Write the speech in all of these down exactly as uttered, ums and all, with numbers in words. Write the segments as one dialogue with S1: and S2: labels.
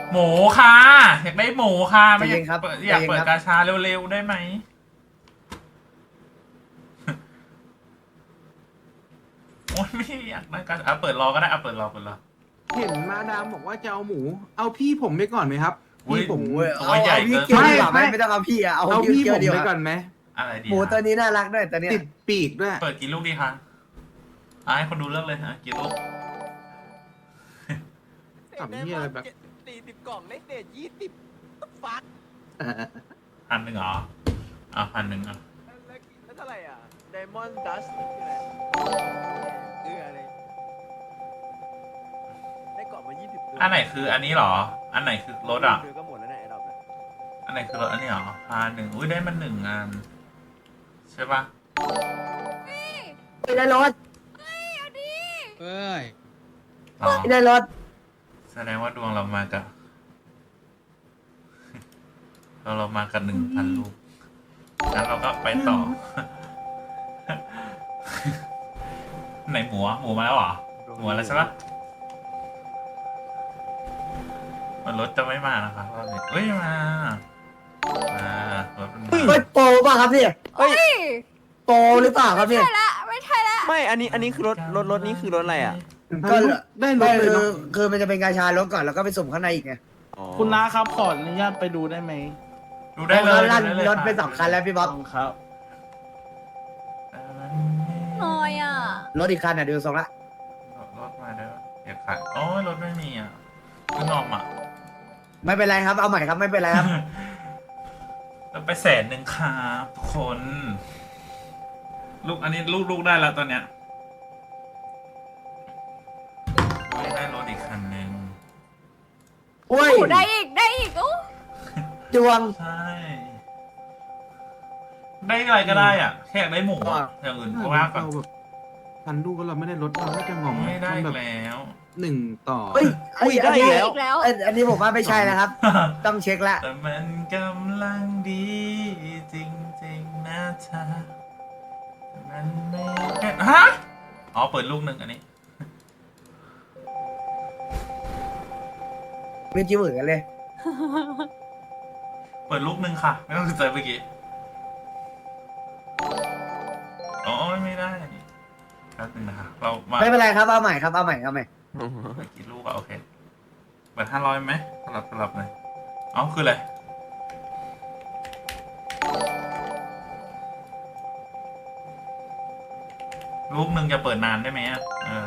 S1: หมูค่ะอยากได้หมูค่ะไม่อยาก
S2: จริงครับ
S1: เปิดอยากเปิด
S2: จริงครับ
S1: กาชาเร็วๆได้ไหม โอ้ยไม่อยากได้กาชาอ่ะเปิดรอก็ได้อ่ะเปิดรอเปิดรอ
S3: เห็นมาดามบอกว่าจะเอาหมู เอาพี่ผมไปก่อนไหมครับ
S1: อุ๊ย
S3: พี่ผม
S2: โอ้ย
S1: ตัว
S2: เอา
S1: ใหญ่
S2: เอาพี่
S1: เกิน
S2: เกียวดีกว่าไหม
S3: ไม่
S2: ไม่ต้องเอาพี่อะเอา
S3: เอา
S2: พี่
S3: พี่
S2: เกี
S3: ผ
S2: ยว
S3: ม
S2: ดีก
S3: ไป
S2: ว่า
S3: ก่อนไหม
S1: อะไรดี
S2: หมูตัวนี้น่ารักด้วยตัวเนี้ย
S3: ติดปีกด้วย
S1: เปิดกี่ลูกดีคะอ่ะให้คนดูเลือกเลยอ่ะกี่ลูก
S3: ทำเหี้ยอะไรแบบ
S4: สี่สิบกล่องเลขเด็ดยี่สิบฟัก
S1: พันหนึ่งเหรออ่ะพันหนึ่งอ่ะ
S4: แล้วเท่าไหร่อ่ะไดมอนด์ดัสคืออะไรคืออะไรได้กล่องมายี่สิบ
S1: อันไหนคืออันนี้เหรอ อันไหนคือรถอ่ะ
S4: เดือก็หมดแล้วนะไอ้ดอกเนี่ย
S1: อันไหนคือรถอันนี้เหรอพันหนึ่งอุ้ยได้มันหนึ่งอันใช่ปะ
S2: ไม่ได้รถ
S5: เอ้ย
S1: อ๋อ
S2: ไม่ได้รถ
S1: แสดงว่าดวงเรามากับ เราเรามากับหนึ่งพันลูกงั้นเราก็ไปต่อ ไหนหมูอ่ะหมูมาแล้วเหรอหมูมาแล้วใช่ปะมันรถจะไม่มานะครับรอบนี้เฮ้ยมามารถมันมา
S2: เฮ้ยโปรป่ะครับพี่
S4: เฮ้ย
S2: โปรหรือเปล่าครับพี่
S6: ใช่ละไม่ใช่ละ
S4: ไม่อันนี้อันนี้คือรถรถรถนี้คือรถอะไรอ่ะ
S2: ก็
S3: ได้ร
S2: ไม่
S3: ถเลย
S2: คือ
S3: เนาะ
S2: คือมันจะเป็นกาชารถก่อนแล้วก็ไปสุ่มข้างในอีกไง
S4: อ๋อ
S5: คุณน้าครับขออนุญาตไปดูได้ไหม
S1: ดูได้เลย
S2: แล้วลั่น
S1: ดูได้เลย
S2: รถไปสองคันแล้วพี่บ๊อบ
S5: ต้องครับ
S6: น้อยอ่ะ
S2: รถอีกคันอ่ะดูทรงละ
S1: รถมาได้ปะเดี๋ยวขายโอ้ยรถไม่มีอ่ะคือนอมอ่ะ
S2: ไม่เป็นไรครับเอาใหม่ครับไม่เป็นไรครับ
S1: เราไปแสนหนึ่งครับทุกคน ลูกอันนี้ลูกลูกได้แล้วตอนเนี้ยไม่ได้รถอีกคันหนึ่ง
S2: โอ้ย
S6: โอ้ได้อีกได้อีกโอ้
S2: ดวง
S1: ใช่ ได้อะไรก็ได้อ่ะ แค่อยากได้หมูอะ
S2: อ่ะ
S1: อย่างอื่นก็ว่าก่อน
S3: เราแบบพันลูกก็เราไม่ได้รถเราไม่จะงอม
S1: ไม่ได้
S3: มัน
S1: อี
S3: แบ
S1: ก
S3: บ
S1: แล้ว
S3: หนึ่งต่อ
S2: เฮ้ย
S4: อุ้ยได้
S2: อัน
S4: อี
S2: นี้
S4: กแล้ว
S6: อีกแล้ว
S2: เอ้ยอันนี้ผมว่าไม่ใช่นะครับ ต้องเช็คละ
S1: แต่มันกำลังดีจริงๆนะเธอแต่มันไม่แค่ฮะอ๋อเปิดลูกหนึ่งอันนี้
S2: ไม่จิ้มเหมือนกันเลย
S1: เปิดลูกหนึ่งค่ะ ไม่ต้องสนใจเมื่อกี้อ๋อไม่ได้แป๊บนึงนะคะเรามา
S2: ไม่เป็นไรครับเอาใหม่ครับเอาใหม่เอาใหม่
S1: เปิดกี่ลูกอะโอเคเปิดห้าร้อยไหมสลับสลับเลยเอ๋อคืออะไรลูกหนึ่งจะเปิดนานได้ไหมอะเออ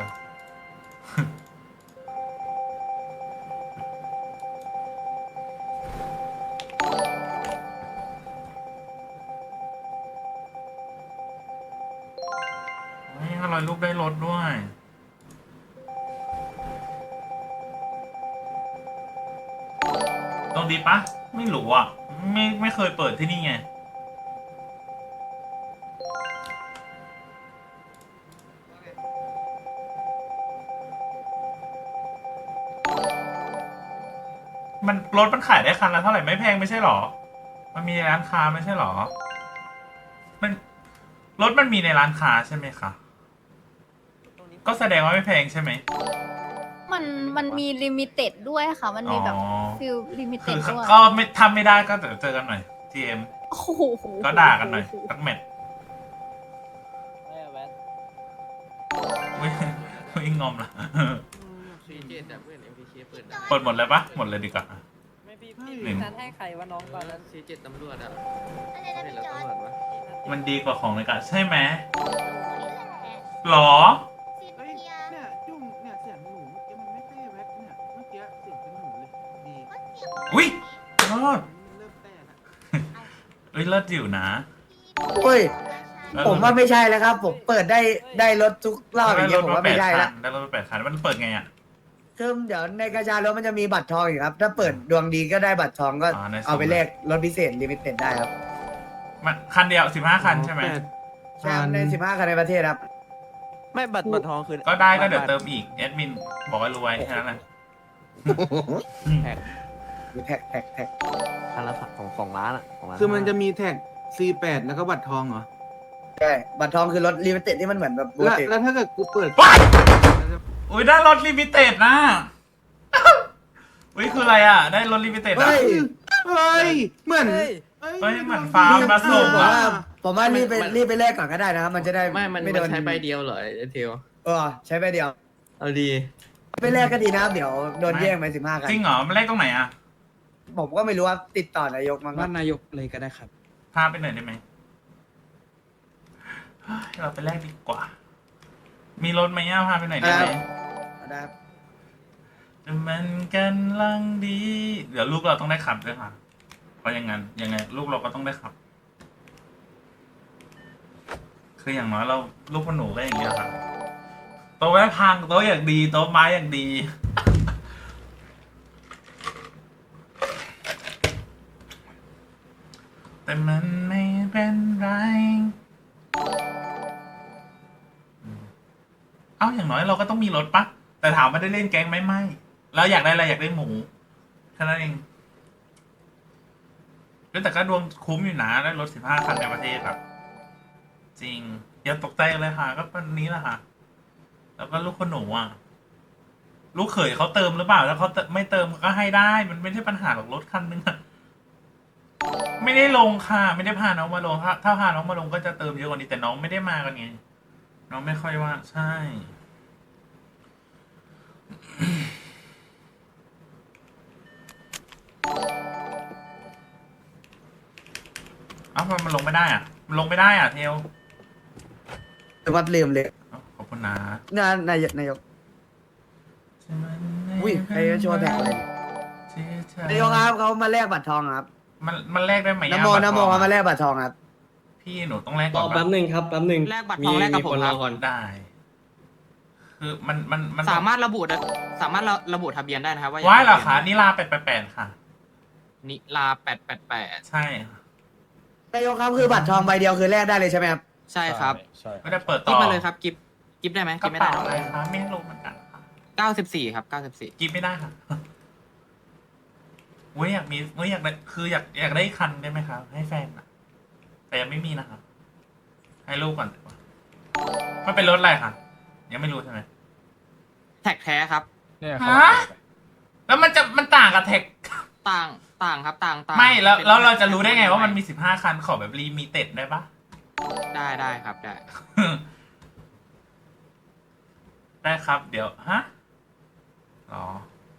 S1: นี่ห้าร้อยลูกได้รถด้วย ตรงดีปะ ไม่รู้อ่ะ ไม่ไม่เคยเปิดที่นี่ไง มันรถมันขายได้คันละเท่าไหร่ไม่แพงไม่ใช่หรอ มันมีในร้านค้าไม่ใช่หรอ มันรถมันมีในร้านค้าใช่ไหมคะ ก็แสดงว่าไม่แพงใช่ไหม
S6: มันมันมีลิมิเต็ดด้วยค่ะ มันมีแบบ
S1: อ๋อ
S6: ฟิลลิมิ
S1: คื
S6: เต็ด
S1: อ
S6: ด้วย
S1: ก็ไม่ทำไม่ได้ก็เดี๋ยวเจอกันหน่อย ที เอ็ม
S6: โอ้โห
S1: ก็ด่ากันหน่อยสักเม็ดวิ่งวิ่งงอมละ
S5: ซีเจแต่เพื่อนเอ็มพีเคเปิดได้
S1: เปิดหมดเลยปะหมดเลยดีกว่า
S7: ไม่พี่พี่
S1: หนึ่ง
S7: นัดให้ใครว่าน้องก่อนนั้น
S5: ซีเจตำรวจอ่ะ
S8: อะไรนะ
S5: เห็น
S8: พี่
S5: แล้ว
S8: จอร์
S5: ตำรวจวะ
S1: มันดีกว่าของในกะใช่ไหม
S8: ดนี่แหละ
S1: หรอ
S8: ซี
S3: เฮ้ย
S8: เทีย
S3: เนี่ยจุ่มเนี่ยเสียงหนูเมื่อกี้มันไม่ใช่แว็กเนี่ยเมื่อกี้เสียงเป็นหนูเลยดี
S8: ก็เสียง
S1: อุ๊ย รอด
S3: เริ่มแต่ละ
S1: เอ้ยเลิศอยู่นะ
S2: โอ้ย
S1: เออ
S2: ผมว่าไม่ใช่แล้วครับ ผมเปิดได้ได้รถทุกรอบอย่างเงี้ยผมว่าไม่ใช่
S1: คั
S2: ละ
S1: นได้รถมาแปดคันมันเปิดไงอ่ะ
S2: คือเดี๋ยวในกระชารถมันจะมีบัตรทองอีกครับ ถ้าเปิดดวงดีก็ได้บัตรทองก็
S1: อ๋อในสุ่ม
S2: เอาไปแลกรถพิเศษลิมิเต็ดได้ครับ
S1: มันคันเดียวสิบห้าคันใช่ไหม
S3: แปด
S2: ใช่ครับในสิบห้าคันในประเทศครับ
S4: ไม่บัตรบัตรทองคือ
S1: ก็ได้ก็เดี๋ยวเติมอีกแอดมินบอกให้รู้ไว้แค่นั้นแหละ
S4: แท็ก
S2: มีแท็กแท็กแท็ก
S4: คันละสองสองล้านอ่ะสงล้าน
S3: คือมันจะมีแท็ก ซี แปด แล้วก็บัตรทองเหรอ
S2: ใช่บัตรทองคือรถลิมิเต็ดที่มันเหมือนแบบปก
S3: แล้ว
S2: ติ
S3: แล้วถ้าเกิดกูเปิด
S1: ว้ายอุ้ยได้รถลิมิเต็ดนะอุ้ยคืออะไรอ่ะ ได้รถลิมิเต็ดอ่ะ
S2: เฮ้ย
S3: เฮ้ย เหมือน
S7: เฮ้ย
S1: เฮ้ยเหมือนฟาร์มมาส่ง
S2: ผม
S1: อ่ะ
S2: ว่าผมว่ารีบไปรีบไปแลกก่อนก็ได้นะครับ มันจะได้
S5: ไม่ มัน
S2: ไม่
S5: มัน
S2: โดน
S5: ใช้ใบเดียวเหรอไอ้เทล
S2: เออใช้ไปเดียว
S5: เอาดี
S2: ไปแลกก็ดีนะครับเดี๋ยวโดนแย่งไปสิบห้ากัน
S1: จริงเหรอมันเลขตรงไหนอ่ะ
S2: ผมก็ไม่รู้ว่าติดต่อนายกมั้งค
S5: บ้า
S2: รับ
S5: นนายกเลยก็ได้ครับ
S1: พาไปหน่อยได้ไหมเฮ้ยเราไปแลกดีกว่า มีรถไหมอ่ะพาไปหน่อยได้ไหม
S2: ได้ครับ
S1: แต่มันกันลังดี เดี๋ยวลูกเราต้องได้ขับด้วยค่ะ เพราะอย่างนั้นยังไง ลูกเราก็ต้องได้ขับ คืออย่างน้อยเราลูกพ่อหนูก็อย่างเงี้ยค่ะโต๊ะไม้พังโต๊ะอย่างดีโต๊ะไม้อย่างดี แต่มันไม่เป็นไร เอ้าอย่างน้อยเราก็ต้องมีรถปะแต่ถามว่าได้เล่นแก๊งไหมไม่เราอยากได้อะไรอยากได้หมูแค่นั้นเองแต่ก็ดวงคุ้มอยู่นะได้รถสิบห้าคันในประเทศแบบจริงอย่าตกใจเลยค่ะ ก็วันนี้แหละค่ะ แล้วก็ลูกคนหนูอ่ะ ลูกเขยเขาเติมหรือเปล่าแล้วเขาไม่เติมก็ให้ได้ มันไม่ใช่ปัญหาหรอกรถคันนึงอะไม่ได้ลงค่ะ ไม่ได้พาน้องมาลงถ้าถ้าพาน้องมาลงก็จะเติมเยอะกว่านี้แต่น้องไม่ได้มากันไงน้องไม่ค่อยว่าใช่ เอ้ามันลงไม่ได้อ่ะ มันลงไม่ได้อ่ะเทล
S2: ถือว่าลืมเลย
S1: เอ้าขอบคุณนะ
S2: นายนายกนายกอุ้ยใครจะโชว์แท็กอะไรนายกครับเขามาแลกบัตรทองครับ
S1: มันมันแลกได้ไหม
S2: นโม
S1: อะ
S2: นโม
S1: บัตรทอง
S2: เขามา
S1: อะ
S2: แลกบัตรทองครับ
S1: พี่หนูต้องแลก
S5: ร
S1: ก่อ
S5: อน
S1: ปะ
S5: แป๊บหนึ่งครับแป๊บหนึ่ง
S9: แลกบัตรทองแลกกับผม
S5: คน
S9: ค
S5: ร
S9: รั
S5: อบ ก่อน
S1: ได้ คือมันมันมัน
S9: สามารถระบุได้สามารถระระบุทะเบียนได้นะครับว่า
S1: ว้ายเหรอคะนี่ลาแปดแปดแปดค่ะ
S9: นิลาแปดแปดแปด
S1: ใช่ค่ะ
S2: นายกครับคือบัตรทองใบเดียวคือแลกได้เลยใช่ไหมครับ
S9: ใช่ครับ
S1: ไม่ได้เปิด
S9: กิ
S1: ต่
S9: ฟ
S1: อ
S9: มาเลยครับกิฟกิฟได้ไหม
S1: ก
S9: กิ
S1: ระ
S9: ฟไม่
S1: เป๋า
S9: ได้
S1: อะไรคะไม่รู้เหมือนกันค่ะ
S9: เก้าสิบสี่ครับเก้าสิบสี่
S1: กิฟไม่ได้ค่ะเว้ยอยากมีเว้ยอยากได้คืออยากอยากได้คันได้ไหมครับให้แฟนอะแต่ยังไม่มีนะครับให้ลูกก่อนดีกว่ามันเป็นรถอะไรค่ะ ยังไม่รู้ใช่ไหม
S9: แท็กแท้ครับ
S1: ฮะแล้วมันจะมันต่างกับแท็ก
S9: ต่างต่างครับต่างต่าง
S1: ไม่แล้ว
S9: ป็น
S1: แล้วเราจะรู้ได้ไงว่ามันมีสิบห้าคันขอแบบรีมีเต็ดได้ปะ
S9: ได้ได้ครับได้
S1: ได้ครับ เดี๋ยวฮะอ๋อ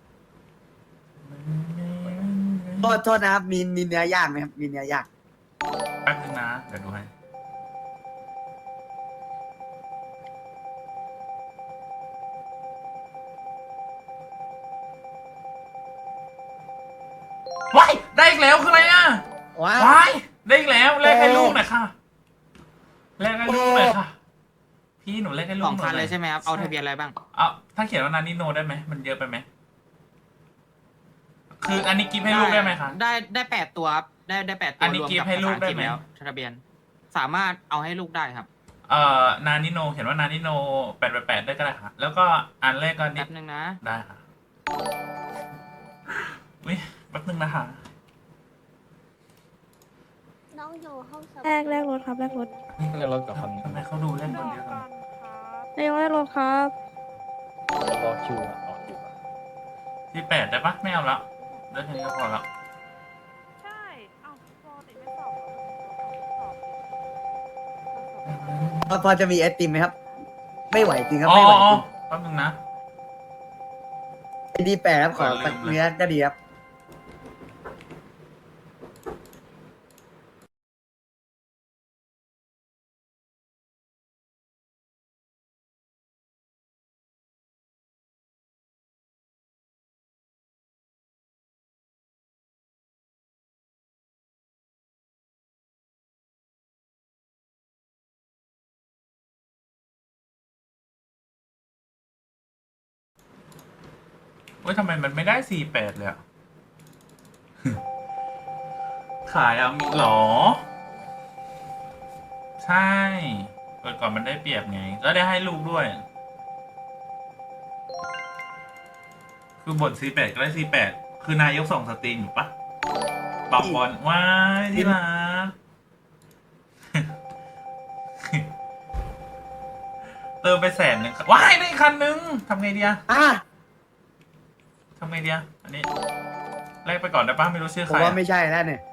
S2: โทษโทษนะครับมีมีเนื้อย่างไหมครับมีเนื้อย่าง
S1: แป๊บนึงนะ เดี๋ยวดูให้ว้ายได้อีกแล้วคืออะไรอ่ะ
S2: ว้า
S1: ว้ายได้อีกแล้วแลกให้ลูกหน่อยค่ะแลกให้ลูกหน่อยค่ะ พี่หนูแลกให้ลูก
S9: สอง
S1: หน่
S9: คั
S1: อน ย
S9: เลยใช่ไหมครับเอาทะเบียนอะไรบ้าง
S1: เอาถ้าเขียนว่านานิโนได้ไหมมันเยอะไปไหมคืออันนี้กิฟต์ให้ลูกได้ไหมคะ
S9: ได้ได้แปดตัวครับได้ได้แปดตัว
S1: อันนี้
S9: รวม
S1: กิฟต์
S9: กับ
S1: ให้ลูก
S9: ภาษาอังฤษ
S1: ได้ไหม
S9: แล้วทะเบียน สามารถเอาให้ลูกได้ครับ
S1: เอ่อนานิโนเห็นว่านานิโนแปดแปดแปดได้ก็ได้ค่ะ แล้วก็อันแรกก็นิ
S9: แป๊
S1: ด
S9: บนึงนะ
S1: ได้ค่ะอุ้ยแป๊บนึงนะคะ
S8: น้องอยู่ห้องสมุด
S6: แลกแลกรถครับแลกรถ
S10: เรียกรถกับคัน
S1: ทำไมเขาดูเล่นคนเดียวกัน
S6: นายกแลกรถครับ
S10: รอคิวอะรอคิวอะ
S1: ที่แปดได้ปะไม่เอาละได้แค่นี้ก็พอละ
S7: ใช่ เอ้าปกติไม่สอบเหรอ
S2: พอพอจะมีไอติมไหมครับ ไม่ไหวจริงครับ
S1: อ๋อ
S2: ไม่ไหว
S1: อ๋อ
S2: จริง
S1: แป๊บนึงนะ
S2: ดีแปดครับขอ
S1: ลืมเลย
S2: เนื้อก็ดีครับ
S1: เว้ยทำไมมันไม่ได้สี่แปดเลยอะ ขายเอามีหรอ ใช่เปิดก่อนมันได้เปรียบไง แล้วได้ให้ลูกด้วย คือบทสี่แปดก็ได้สี่แปดคือนายกส่งสตรีมอยู่ปะบอกบอลว้ายที่รัก เติมไปแสนหนึ่งว้ายได้อีกคันนึงทำไงดีอะ
S2: อ่ะ
S1: ททำไงดีอะอันนี้แลกไปก่อนได้ปะไม่รู้ชื่อ
S2: ผ
S1: ใค
S2: ม
S1: ร
S2: ว่า
S1: อะ
S2: ไม่ใช่แล้วเนี่ย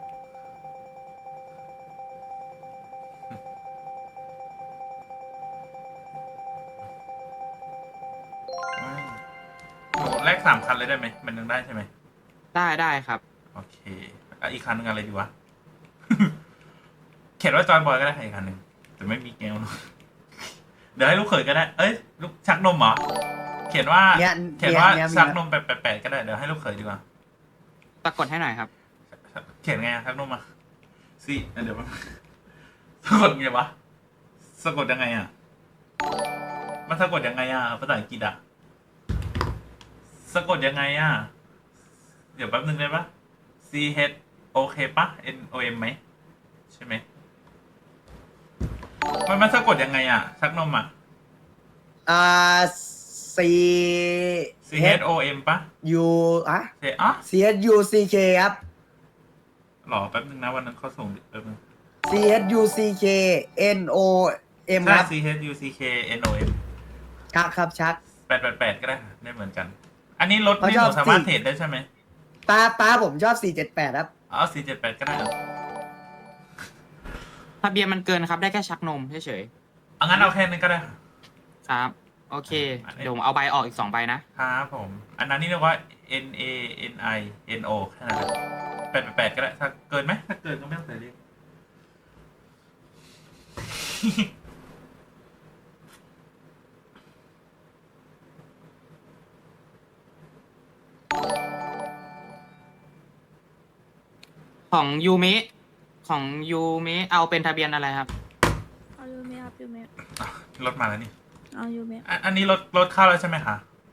S1: ไม่หนูแลกสามคันเลยได้ไหมมันยังได้ใช่ไหม
S9: ได้ได้ครับ
S1: โอเคอ่ะอีกคันหนึงอะไรดีวะ เขียนว่าจอยบอยก็ได้ค่ะอีกคันหนึ่งแต่ไม่มีแก้วเนอะเดี๋ยวให้ลูกเขยก็ได้ เอ้ยลูกชักนมเหรอ เขียนว่า
S2: เนี่ย
S1: เขียนว่า
S2: เนี่ยมี
S1: ชัก
S2: แล้ว
S1: นมแปดแปดแปดก็ได้ เดี๋ยวให้ลูกเขยดีกว่า
S9: สะกดให้หน่อยครับ
S1: เขียนไงอะชักนมอ่ะสิเดี๋ยวมัน สะกดไงวะ สะกดยังไงอ่ะ มันสะกดยังไงอ่ะภาษาอังกฤษอ่ะ สะกดยังไงอ่ะ เดี๋ยวแป๊บนึงได้ปะ C H O K ปะ N O M ไหม ใช่ไหม มันมันสะกดยังไงอ่ะ ชักนมอ่ะ
S2: อ่า C
S1: C H O M ปะ
S2: U อ่ะ
S1: เจอ่ะ
S2: C H U C K ครับ
S1: หรอแป๊บนึงนะวันนั้นเขาส่งแป๊บนึง
S2: C H U C K N O M
S1: ใช่
S2: ครับ
S1: C H U C K N O M
S2: ชักครับชัก
S1: แปดแปดแปดก็ได้ได้เหมือนกัน อันนี้รถ
S2: เขา
S1: นี่
S2: ช
S1: ห
S2: อบ
S1: นูสามารถ
S2: สี่
S1: เทรดได้ใช่ไหม
S2: ป้าป้าผมชอบสี่เจ็ดแปดครับ
S1: เอาสี่เจ็ดแปดก็ได้เหรอ
S9: ทะเบียนมันเกินครับ ได้แค่ชักนมเฉย
S1: เอางั้นเอาแค่นั้นก็ได้
S9: ๆครับ โอเค เดี๋ยวผมเอาใบออกอีกสองใบนะ
S1: ครับผม อันนั้นนี่เรียกว่า N A N I N O แค่นั้นแหละแปดแปดแปดก็ได้ ถ้าเกินไหมถ้าเกินก็ไม่ต้องใส่เลข
S9: ของยูเมะของยูเมะเอาเป็นทะเบียนอะไรครับ
S7: เอายูเมะครับยูเมะ
S1: อ่ะรถมาแล้วนี่
S7: เอายูเมะ
S1: อ่ะอันนี้รถรถเข้าแล้วใช่ไหมคะ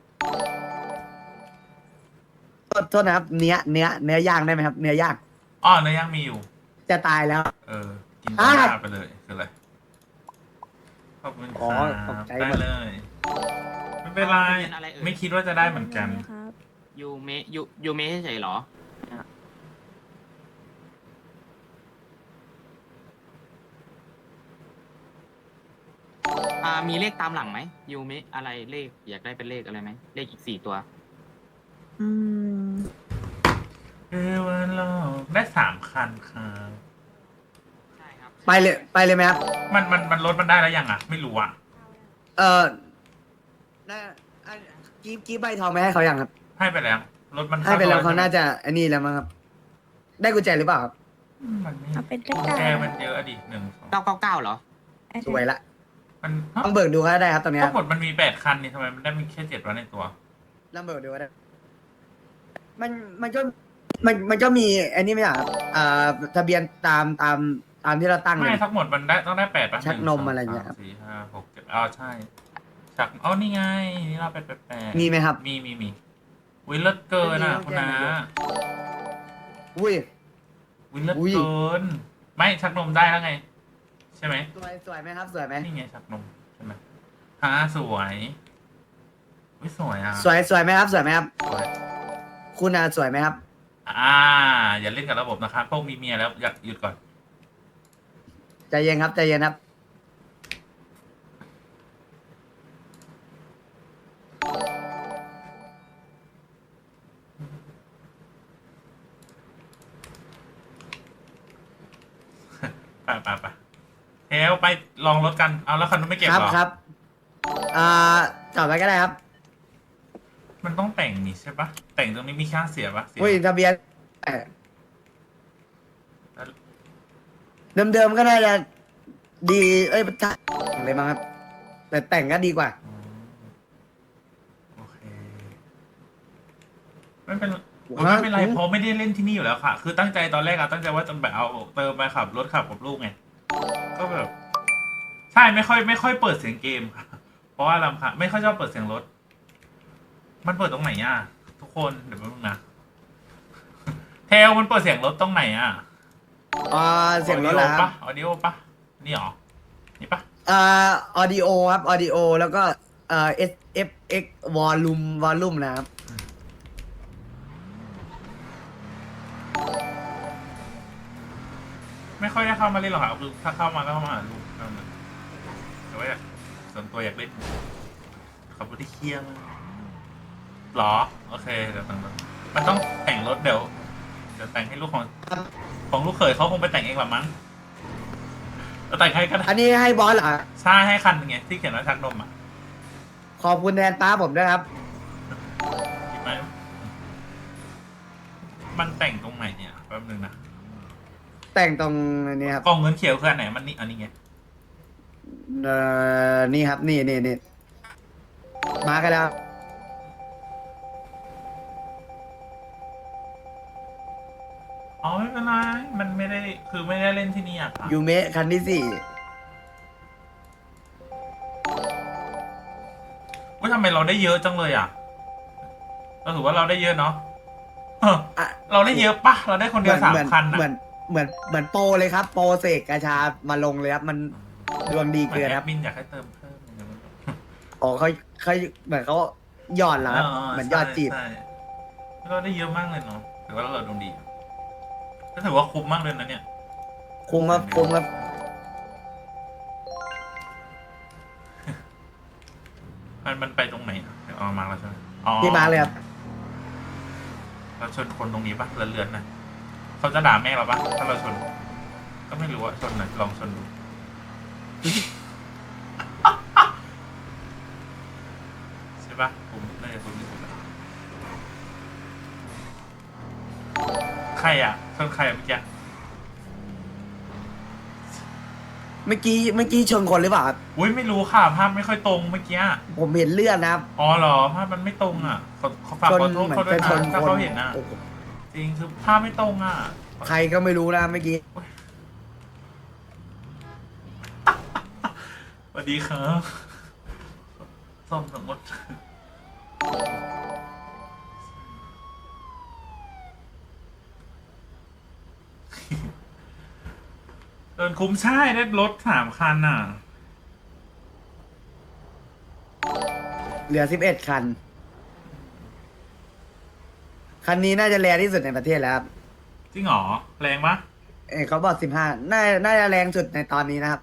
S2: โทษโทษนะครับ เนื้อเนื้อเนื้อย่างได้ไหมครับ เนื้อย่าง
S1: อ๋อเนื้อย่างมีอยู่
S2: จะตายแล้ว
S1: เออ กิน
S2: อ่ะ
S1: หน้าไปเลยคืออะไร ขอบคุณค
S2: อ๋อ
S1: รับ
S2: ตกใจ
S1: ได้
S2: หมด
S1: เลย ไม่เป็นไร
S9: เป็นอะไรเอ่ย
S1: ไม่คิดว่าจะได้เหมือนกัน
S7: ครับ
S9: ยูเมะยูยูเมะเฉยๆเหรอ อ่ามีเลขตามหลังไหมยูเมะอะไรเลขอยากได้เป็นเลขอะไรไหมเลขอีกสี่ตัว
S7: อืม
S1: เอวันโลกได้สามคันครับ
S9: ใช่ครับ
S2: ไปเลยไปเลยไหมครับ
S1: มันมันมันลดมันได้แล้วยังอ่ะ ไม่รู้อ่ะ
S2: เออน่าอันกีบกีบใบทองไปให้เขายังครับ
S1: ให้ไปแล้วรถมัน
S2: ให้ไปแล้ว
S1: ซ
S2: เขาน่าจะอันนี้แล้วมั้งครับ ได้กุญแจหรือเปล่าครับ
S1: มันไม่
S7: เอาเป็นเลข
S1: กุญ
S7: เก้า
S1: แจมันเยอะอะดิหนึ่งสอง
S9: เก้าเก้าเก้าเหรอ
S2: สวยละ
S1: มัน
S2: ต้องเบิกดูก็ได้ครับตรงเนี้ย
S1: ทั้งหมดมันมีแปดคันนี่ทำไมมันได้มีแค่เจ็ดวันในตัว
S2: ลองเบิกดูก็ได้ มันมันก็มันมันก็มีอันนี้ไหมอ่ะครับอ่าทะเบียนตามตามตามที่เราตั้งเล
S1: ไม่
S2: ย
S1: ทั้งหมดมันได้ต้องได้แปดป่ะ
S2: ชักนม
S1: หงส
S2: อะไรอย่างเงี้ยครับ
S1: สามสี่ห้าหกเจ็ดอ๋อใช่ชักอ๋อนี่ไงนี่เราแปดแปดแปด
S2: มีไหมครับ
S1: มีมีมีวิลเลตเกินอ่ะ
S2: ไม่มี
S1: คุณนา
S2: ต้องแจ้งนายก อุ้ย
S1: วิลเลต
S2: อุ้ย
S1: เกินไม่ชักนมได้แล้วไง ใช่ไหม
S2: สวยสวยไหมครับ สวยไหม
S1: นี่ไงชักนมใช่ไหมฮะสวยวิสวยอ่ะ
S2: สวยสวยไหมครับ สวยไหมครับ
S1: สวย
S2: คุณอ่ะสวยไหมครับ
S1: อ่า อย่าเล่นกับระบบนะครับพวกมีเมียแล้วอยากหยุดก่อน
S2: ใจเย็นครับใจเย็นครับ
S1: ไปไปไปเทลไปลองรถกัน เอาแล้วคันนู้นไม่เก็บ
S2: ครับ
S1: เหรอ
S2: ครับ อ่าจอดไว้ก็ได้ครับ
S1: มันต้องแต่งนี่ใช่ปะแต่งตรงนี้มีค่าเสียปะเสีย
S2: อุ้ยทะเบียนเอ่อเดิมๆก็น่าจะดี เอ้ยถ้าเลยมั้งครับ แต่แต่งก็ดีกว่า
S1: อ๋อโอเค ไม่เป็นโอ้ยไม่เป็นไรเพราะไม่ได้เล่นที่นี่อยู่แล้วค่ะ คือตั้งใจตอนแรกอะตั้งใจว่าจะแบบเอาเติมไปขับรถขับกับลูกไง ก็แบบ ใช่ไม่ค่อยไม่ค่อยเปิดเสียงเกมค่ะ เพราะว่าลำค่ะไม่ค่อยชอบเปิดเสียงรถ มันเปิดตรงไหนอ่ะ ทุกคนเดี๋ยวแป๊บนึงนะ เทลมันเปิดเสียงรถตรงไหนอ่ะ
S2: อ่าเสียงรถเหรอค
S1: ปะ
S2: รับ
S1: ออดิโอปะนี่หรอ นี่ปะ
S2: อ่าออดิโอครับออดิโอแล้วก็เอ่อ S F X volume volume นะครับ
S1: ไม่ค่อยได้เข้ามาเล่นหรอกครับคือถ้าเข้ามาก็เข้ามาหาลูกเท่านั้นแต่ว่าอยากส่วนตัวอยากเล่นขับรถที่เคียงหรอ โอเคเดี๋ยวแต่งรถมันต้องแต่งรถเดี๋ยวเดี๋ยวแต่งให้ลูกของของลูกเขยเขาคงไปแต่งเองหรอมั้งเราแต่งให้ก็ได้
S2: อันนี้ให้บอสเหรอ
S1: ใช่ให้คันหนึงไงที่เขียนว่าชักนมอ่ะ
S2: ขอบคุณแทนป้าผมด้วยครับ
S1: หยิบไหมมันแต่งตรงไหนเนี่ยแป๊บนึงนะ
S2: แต่งตรงนี้ครับ
S1: กล่องเงินเขียวคืออันไหนมันนี่อันนี้ไง
S2: เอ่อนี่ครับนี่นี่นี่มากันแล้ว
S1: อ๋อไม่เป็นไรมันไม่ได้คือไม่ได้เล่นที่นี่อ่ะค่ะ
S2: ยูเมะคันที่สี่
S1: ว่าทำไมเราได้เยอะจังเลยอ่ะเราถือว่าเราได้เยอะเนาะเออ
S2: อ่ะ
S1: เราได้เยอะปะเราได้คนเดียวสาม
S2: เหมือน
S1: คัน
S2: เหมือ
S1: อ่ะ
S2: นเหมือนเหมือนโปรเลยครับ โปรเสกกาชามาลงเลยครับ มันดวงดีเกินครับ
S1: มินอยากให้เติมเพิ่มอย่างเงี้ยมัน
S2: อ๋อเขาเขาเหมือนเขาหยอดเหรอครับ เหมือนหยอดจีบ
S1: ใช่ใช่เราได้เยอะมากเลยเนาะถือว่าเราดวงดีก็ถือว่าคุ้มมากเลยนะเนี่ย
S2: คุ้มครับคุ้มครับ
S1: มันมันไปตรงไหนอะเดี๋ยวเอามาแล้วใช่ไหมอ๋อ
S2: พี่มาเลยครับ
S1: เราชนคนตรงนี้ปะเลือนๆนะเขาจะด่าแม่เราปะถ้าเราชน ก็ไม่รู้อะชนหน่อยลองชนดู ใช่ปะผมน่าจะคุ้มที่สุดแล้วใครอะชนใครอะเมื่อกี้
S2: เมื่อกี้เมื่อกี้ชนคนหรือเปล่าครับ
S1: อุ้ยไม่รู้ค่ะภาพไม่ค่อยตรงเมื่อกี้
S2: ผมเห็นเลือดนะครับ
S1: อ๋อเหรอภาพมันไม่ตรงอ่ะขอขอฝาก
S2: ชน
S1: ขอโทษ
S2: เหมือน
S1: เขาด้ว
S2: จะ
S1: ย
S2: ช
S1: นะ
S2: น
S1: ถ้า
S2: คน
S1: เขาเห็นอ่ะ
S2: โอ้โห
S1: จริงคือภาพไม่ตรงอ่ะ
S2: ใครก็ไม่รู้นะเมื่อกี้
S1: สวัสดีครับซ่อมสมมติเดินคุ้มใช่ได้รถสามคันอ่ะ
S2: เหลือสิบเอ็ดคัน คันนี้น่าจะแรงที่สุดในประเทศแล้วครับ
S1: จริงเหรอ แรงปะ
S2: เอยเขาบอกสิบห้าน่าน่าจะแรงสุดในตอนนี้นะครับ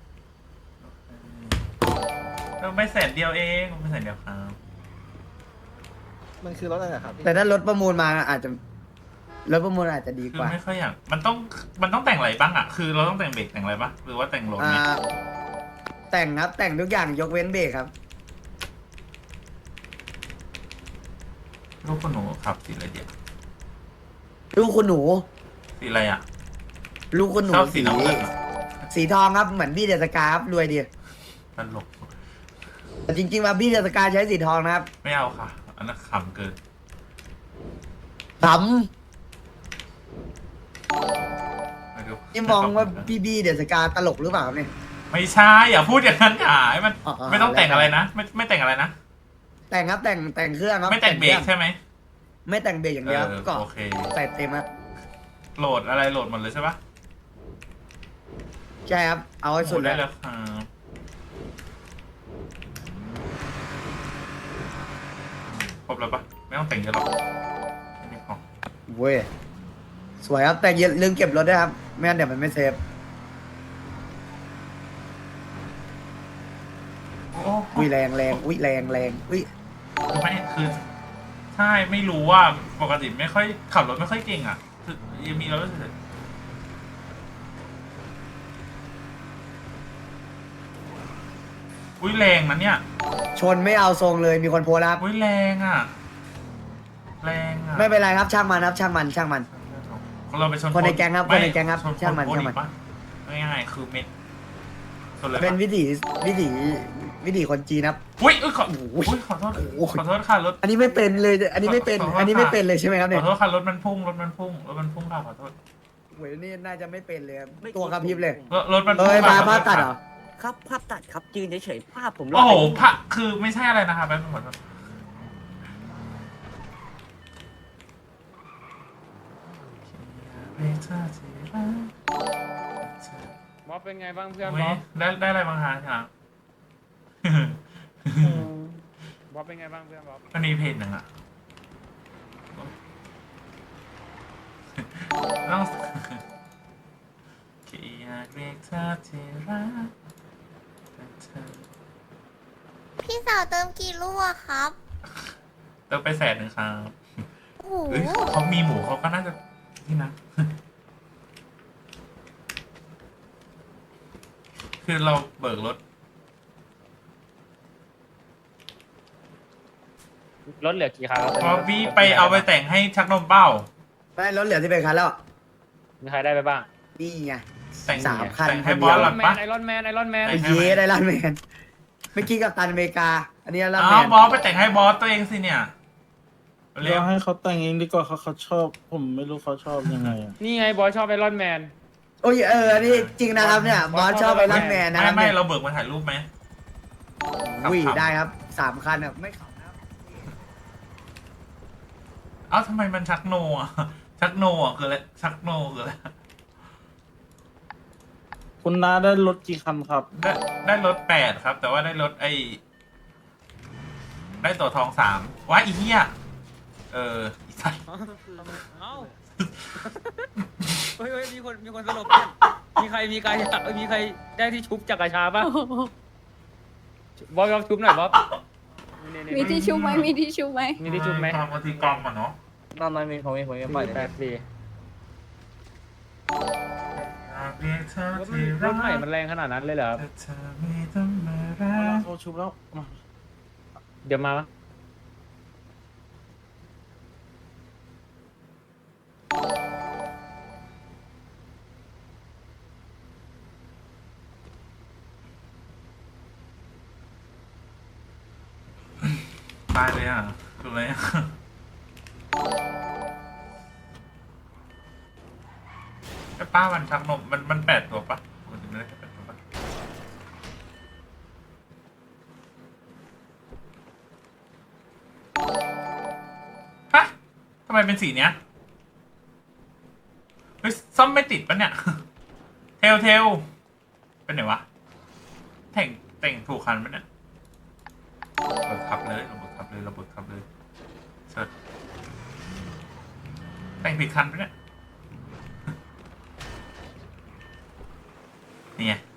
S1: เออไม่แสนเดียวเองไม่แสนเดียวครับ
S10: มันคือรถอะไรครับ
S2: แต่ถ้ารถประมูลมาอาจจะรถประมูลอาจจะดี
S1: คื
S2: ก
S1: อ
S2: ว่า
S1: ไม่ค่อยอยากมันต้องมันต้องแต่งอะไรบ้างอ่ะ คือเราต้องแต่งเบรกแต่งอะไรปะหรือว่าแต่งรถ
S2: อ่า
S1: เนี่ย
S2: แต่งครับ แต่งทุกอย่างยกเว้นเบรกครับ
S1: ลูกคนหนูขับสีอะไรเดียว
S2: ลูกคุณหนู
S1: สีอะไรอ่ะ
S2: ลูกคุณหนู
S1: ชอบสีน้ำเงินอะ
S2: สีทองครับเหมือนบี้เดสกาครับรวยดี
S1: ตลก
S2: แต่จริงๆว่าบี้เดสกาใช้สีทองนะครับ
S1: ไม่เอาค่ะ อันนั้นขำเกิน
S2: ข
S1: ไม่รู้
S2: ำนี่มองว่าพี่บี้เดสกาตลกหรือเปล่าเนี่ย
S1: ไม่ใช่ อย่าพูดอย่างนั้นอย่าให้มัน
S2: อ๋ออ๋อ
S1: ไม่ต้องแต่งอะไรนะ ไม่ไม่แต่งอะไรนะ
S2: แต่งครับแต่งแต่งเครื่องครับ
S1: ไม่แต่งเบรก
S2: คอง
S1: ใช่ไหม
S2: ไม่แต่งเบรกอย่างเดียว
S1: เออ
S2: ก็
S1: โอเค
S2: ใส่เต็มครับ
S1: โหลดอะไรโหลดหมดเลยใช่ปะ
S2: ใช่ครับ เอาให้สุด
S1: โหล
S2: เลย
S1: ได้แล้วครับครบแล้วปะไม่ต้องแต่งเยอะหรอกแค่นี้พอ
S2: เว้ยสวยครับแต่อย่าลืมเก็บรถด้วยครับไม่งั้นเดี๋ยวมันไม่เซฟ
S1: โอ้
S2: อุ้ยแรงแรงอุ้ยแรงแรงอุ้ย
S1: คือไม่คือใช่ไม่รู้ว่าปกติไม่ค่อยขับรถไม่ค่อยเก่งอ่ะคือยังมีเรารู้สึกอุ้ยแรงนะเนี่ย
S2: ชนไม่เอาทรงเลยมีคนโพสต์แล้วครับ
S1: อุ้ยแรงอ่ะ แรงอ่ะ
S2: ไม่เป็นไรครับช่างมันครับช่างมันช่างมัน
S1: เราไปชน
S2: คนในแก๊งครับ
S1: ไม่
S2: คนในแก๊งครับ
S1: ชน
S2: ช่างมัน
S1: ค
S2: ช่างมัน
S1: อีกปะง่ายๆคือเม็ดชนเลย
S2: เป็น
S1: ปะ
S2: วิถีวิถีวิถีคนจีนครับ
S1: อุ้ยอุ้ยขอ
S2: โอ้โห
S1: อุ้ยขอโทษ
S2: โอ้โห
S1: ขอโทษค่ะรถ
S2: อันนี้ไม่เป็นเลย อันนี้ไม่เป็น
S1: ขอโทษ
S2: อันนี้
S1: ค่ะ
S2: ไม่เป็นเลยใช่ไหมครับ
S1: ข
S2: เนี่
S1: อย โทษค่ะรถมันพุ่งรถมันพุ่งรถมันพุ่งค่ะขอโทษ
S2: โอ้ยนี่น่าจะไม่เป็นเลยครับตัวกระพริบเลย
S1: รถรถมัน
S2: เอ้
S1: พุ่ง
S2: ย
S1: ค่ะ
S2: มา
S1: ขอโทษ
S2: ภาพตัด
S1: ค่ะ
S2: เหรอ
S4: ครับภาพตัดครับยืนเฉยๆภาพผมร
S1: โอ้
S4: อด
S1: โห
S4: ไป
S1: พระคือไม่ใช่อะไรนะคะแป๊บนึงขอโทษบ๊อบเป็นไงบ้างเพื่อนบ๊อบได้ได้อะไรบ้างคะครับ บ๊อบเป็นไงบ้างเพื่อนบ๊อบมันมีเพจหนึ่งอ่ะต้องแค่อยากเรียกเธอที่รักแต่เธอ
S8: พี่สาวเติมกี่ลูกอะครับ
S1: เติมไปแสนหนึ่งครับ
S6: โอ้โห
S1: เอ้ยเขามีหมูเขาก็น่าจะนี่นะ คือเราเบิกรถ
S11: รถเหลือกี่คันแล้ว
S1: บอบบี้ไปเอาไปแต่งให้ชักนมเป้า
S2: ไม่รถเหลือที่เป็นคันแล้ว
S11: มีใครได้ไปบ้าง
S2: นี่ไง
S1: แต่ง
S2: สามคัน
S1: แต่งให้
S2: คน
S1: บ
S2: เดี
S1: อ
S2: ยว
S1: สหลังปะ
S11: ไอรอนแมนไอรอนแมน
S1: แต่
S2: ไอ้เย้ได้ลันแมนเมื่อกี้กับตันอเมริกา อันนี้ลันแม
S1: อ้าวน บอสไปแต่งให้บอสตัวเองสิเนี่ยเรีย
S3: เรา
S1: ก
S3: ให้เขาแต่งเองดีกว่าเขาเขาชอบ ผมไม่รู้เขาชอบยังไงอะ
S11: นี่ไงบอยชอบไอรอนแมน
S2: โอ้ยเอออันนี้จริงนะครับเนี่ยบอสชอบไปลันแมนนะ
S1: ไม่
S2: ครับ
S1: ไม่
S2: เนี่ย
S1: เราเบิกมาถ่ายรูปไหม
S2: อุ้ย
S1: ขำๆ
S2: ได้ครับสามคันอ่ะไม่ขับนะ
S1: เอ้าทำไมมันชักโนอ่ะ ชักโนอ่ะคืออะไรชักโนคืออะไร
S3: คุณน้าได้รถกี่คันครับ
S1: ได้ได้รถแปดครับ แต่ว่าได้รถไอ้ได้ตัวทองสามว้าอีเหี้ยเอออีสัตว์
S9: เอ้าเฮ้ยเฮ้ยมีคนมีคนสลบเนี่ยมีใครมีใครเอ้ยมีใครได้ที่ชุบจากกระชาป่ะบอยลองชุบหน่อยบ๊อบ
S6: มีที่ชุบไหมมีที่ชุบไหม
S11: มีที่ชุบไหม
S1: ตามปฏิกรรมอ่ะเนาะ
S5: ตอนนั้นมีผมมีผมมีปล่อยเลย
S11: แปดสี่
S1: อยากเรียกเธอ
S11: รถ
S1: ที่
S11: ร
S1: รั
S11: ถใหม่
S1: ก
S11: มันแรงขนาดนั้นเลยเหรอครับ
S1: แต่เธอไม่ต้องมารัก
S3: เขาชุบแล้วมา
S11: เดี๋ยวมา
S1: ตายเลยอ่ะคืออะไรอ่ะไอ้ป้ามันชักนมมันมันแปดตัวปะมันจะไม่ได้แค่แปดตัวปะฮะทำไมเป็นสีเนี้ยเฮ้ยซ่อมไม่ติดปะเนี่ย เทลเทลเป็นไหนวะแต่งแต่งถูกคันปะเนี่ยเบิกขับเลยเราเบิกขับเลยเราเบิกขับเลยเชิดแต่งผิดคันปะเนี่ยนี่ไง